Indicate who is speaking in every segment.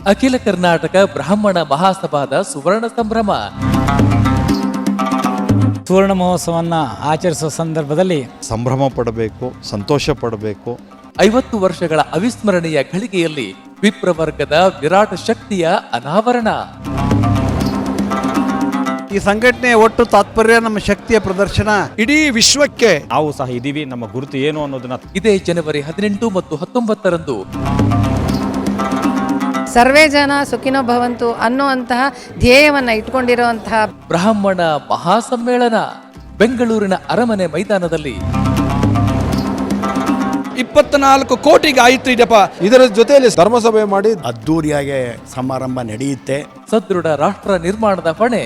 Speaker 1: ಅಖಿಲ ಕರ್ನಾಟಕ ಬ್ರಾಹ್ಮಣ ಮಹಾಸಭಾದ ಸುವರ್ಣ ಸಂಭ್ರಮ.
Speaker 2: ಸುವರ್ಣ ಮಹೋತ್ಸವವನ್ನು ಆಚರಿಸುವ ಸಂದರ್ಭದಲ್ಲಿ
Speaker 3: ಸಂಭ್ರಮ ಪಡಬೇಕು, ಸಂತೋಷ ಪಡಬೇಕು.
Speaker 1: 50 ವರ್ಷಗಳ ಅವಿಸ್ಮರಣೀಯ ಘಳಿಗೆಯಲ್ಲಿ ವಿಪ್ರವರ್ಗದ ವಿರಾಟ ಶಕ್ತಿಯ ಅನಾವರಣ.
Speaker 4: ಈ ಸಂಘಟನೆಯ ಒಟ್ಟು ತಾತ್ಪರ್ಯ ನಮ್ಮ ಶಕ್ತಿಯ ಪ್ರದರ್ಶನ.
Speaker 3: ಇಡೀ ವಿಶ್ವಕ್ಕೆ
Speaker 5: ನಾವು ಸಹ ಇದೀವಿ, ನಮ್ಮ ಗುರುತು ಏನು ಅನ್ನೋದನ್ನ
Speaker 1: ಇದೇ ಜನವರಿ 18 ಮತ್ತು 19ರಂದು
Speaker 6: ಸರ್ವೇ ಜನ ಸುಖಿನೋ ಭವಂತು ಅನ್ನುವಂತಹ ಧ್ಯೇಯವನ್ನು ಇಟ್ಕೊಂಡಿರುವಂತಹ
Speaker 1: ಬ್ರಾಹ್ಮಣ ಮಹಾಸಮ್ಮೇಳನ ಬೆಂಗಳೂರಿನ ಅರಮನೆ ಮೈದಾನದಲ್ಲಿ
Speaker 7: 24 ಕೋಟಿಗೆ ಆಯ್ತು ಇದಪ್ಪ.
Speaker 3: ಇದರ ಜೊತೆಯಲ್ಲಿ ಧರ್ಮಸಭೆ ಮಾಡಿ
Speaker 4: ಅದ್ದೂರಿಯಾಗಿ ಸಮಾರಂಭ ನಡೆಯುತ್ತೆ.
Speaker 1: ಸದೃಢ ರಾಷ್ಟ್ರ ನಿರ್ಮಾಣದ ಹೊಣೆ.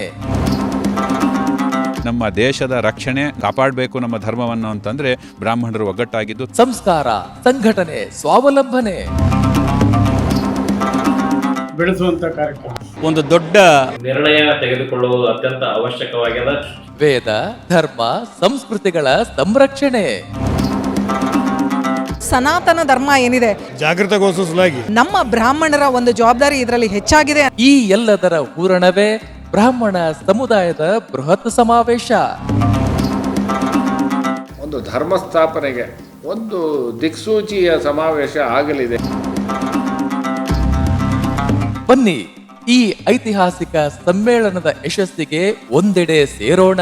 Speaker 8: ನಮ್ಮ ದೇಶದ ರಕ್ಷಣೆ ಕಾಪಾಡಬೇಕು ನಮ್ಮ ಧರ್ಮವನ್ನು ಅಂತಂದ್ರೆ ಬ್ರಾಹ್ಮಣರು ಒಗ್ಗಟ್ಟಾಗಿದ್ದು
Speaker 1: ಸಂಸ್ಕಾರ, ಸಂಘಟನೆ, ಸ್ವಾವಲಂಬನೆ
Speaker 9: ಬೆಳೆಸುವಂತ ಕಾರ್ಯಕ್ರಮ.
Speaker 5: ಒಂದು ದೊಡ್ಡ
Speaker 10: ನಿರ್ಣಯ ತೆಗೆದುಕೊಳ್ಳುವುದು ಅತ್ಯಂತ ಅವಶ್ಯಕವಾಗಿದೆ.
Speaker 1: ವೇದ, ಧರ್ಮ, ಸಂಸ್ಕೃತಿಗಳ ಸಂರಕ್ಷಣೆ.
Speaker 11: ಸನಾತನ ಧರ್ಮ ಏನಿದೆ
Speaker 3: ಜಾಗೃತಗೊಳಿಸಲಾಗಿ
Speaker 11: ನಮ್ಮ ಬ್ರಾಹ್ಮಣರ ಒಂದು ಜವಾಬ್ದಾರಿ ಇದರಲ್ಲಿ ಹೆಚ್ಚಾಗಿದೆ.
Speaker 1: ಈ ಎಲ್ಲದರ ಹೂರಣವೇ ಬ್ರಾಹ್ಮಣ ಸಮುದಾಯದ ಬೃಹತ್ ಸಮಾವೇಶ.
Speaker 9: ಒಂದು ಧರ್ಮ ಸ್ಥಾಪನೆಗೆ ಒಂದು ದಿಕ್ಸೂಚಿಯ ಸಮಾವೇಶ ಆಗಲಿದೆ.
Speaker 1: ಬನ್ನಿ, ಈ ಐತಿಹಾಸಿಕ ಸಮ್ಮೇಳನದ ಯಶಸ್ಸಿಗೆ ಒಂದೆಡೆ ಸೇರೋಣ.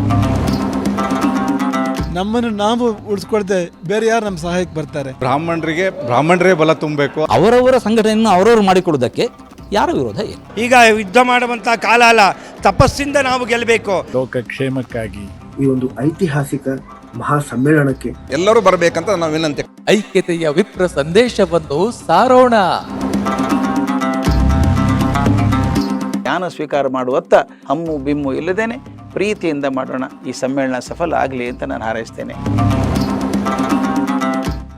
Speaker 3: ನಮ್ಮನ್ನು ನಾವು ಉಳಿಸ್ಕೊಳ್ದೆ ಬೇರೆ ಯಾರು ನಮ್ಮ ಸಹಾಯಕ್ಕೆ ಬರ್ತಾರೆ?
Speaker 4: ಬ್ರಾಹ್ಮಣರೇ ಬಲ ತುಂಬಬೇಕು.
Speaker 5: ಅವರವರ ಸಂಘಟನೆಯನ್ನು ಅವರವರು ಮಾಡಿಕೊಳ್ಳುವುದಕ್ಕೆ ಯಾರ ವಿರೋಧ ಏನು?
Speaker 7: ಈಗ ಯುದ್ಧ ಮಾಡುವಂತ ಕಾಲ ಅಲ್ಲ, ತಪಸ್ಸಿಂದ ನಾವು ಗೆಲ್ಲಬೇಕು.
Speaker 4: ಲೋಕ ಕ್ಷೇಮಕ್ಕಾಗಿ
Speaker 12: ಈ ಒಂದು ಐತಿಹಾಸಿಕ ಮಹಾ ಸಮ್ಮೇಳನಕ್ಕೆ
Speaker 7: ಎಲ್ಲರೂ ಬರಬೇಕಂತ ನಾವು ವಿನಂತಿ.
Speaker 1: ಐಕ್ಯತೆಯ ವಿಪ್ರ ಸಂದೇಶವನ್ನು ಸಾರೋಣ.
Speaker 2: ಜ್ಞಾನ ಸ್ವೀಕಾರ ಮಾಡುವತ್ತ ಹಮ್ಮು ಬಿಮ್ಮು ಇಲ್ಲದೇನೆ ಪ್ರೀತಿಯಿಂದ ಮಾಡೋಣ. ಈ ಸಮ್ಮೇಳನ ಸಫಲ ಆಗಲಿ ಅಂತ ನಾನು ಹಾರೈಸ್ತೇನೆ.